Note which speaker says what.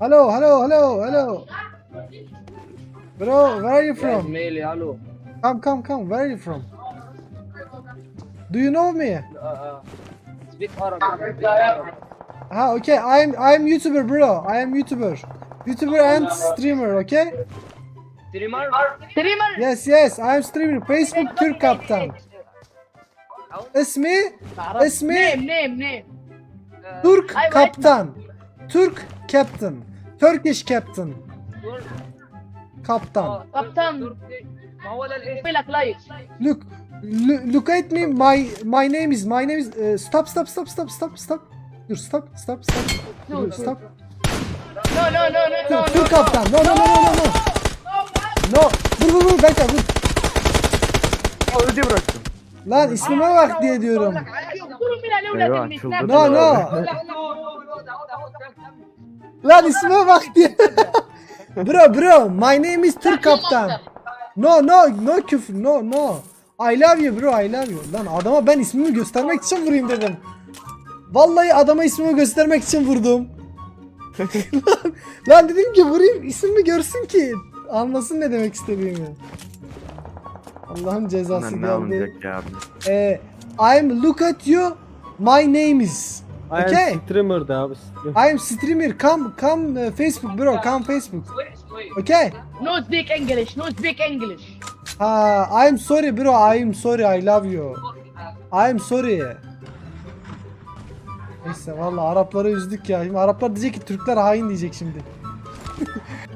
Speaker 1: Hello, hello, hello, hello. Bro, where are you from?
Speaker 2: Ismail, hello.
Speaker 1: Come. Where are you from? Do you know me?
Speaker 2: Speak Arabic.
Speaker 1: Okay. I'm YouTuber, bro. I am YouTuber and streamer. Okay.
Speaker 2: Streamer?
Speaker 1: Yes. I am streamer. Facebook Türk Kaptan. İsmi
Speaker 3: Name.
Speaker 1: Türk
Speaker 3: Ay,
Speaker 1: Kaptan. Türk Captain. Turkish Captain. Kaptan.
Speaker 3: Kaptan.
Speaker 2: ما هو ده الاسم؟
Speaker 3: لك لايك.
Speaker 1: Look at me. My name is stop. Dur stop.
Speaker 3: No.
Speaker 1: Dur, stop.
Speaker 3: No.
Speaker 1: Türk Kaptan. No. No. Vur bekle vur.
Speaker 4: Öldü bıraktım.
Speaker 1: Lan ismime bak diye diyorum.
Speaker 3: اقتلوا من الاولاد
Speaker 4: ايوه
Speaker 3: المسلمين.
Speaker 4: çıldırdı.
Speaker 1: No. Lan ismime bak diye. Bro. My name is Türk Kaptan. No küfür. No. I love you bro. I love you. Lan adama ben ismimi göstermek için vurayım dedim. Vallahi adama ismimi göstermek için vurdum. lan dedim ki vurayım ismimi görsün ki anlasın ne demek istediğimi. Allah'ın cezası
Speaker 4: Lan ne
Speaker 1: geldi.
Speaker 4: alınacak ya abi.
Speaker 1: I'm look at you. My name is. Okay.
Speaker 5: Streamer'da abi.
Speaker 1: I'm streamer. Come Facebook bro. Come Facebook. Okay.
Speaker 3: No speak English.
Speaker 1: I'm sorry bro. I'm sorry. I love you. I'm sorry. Neyse vallahi Arapları üzdük ya. Şimdi Araplar diyecek ki Türkler hain diyecek şimdi.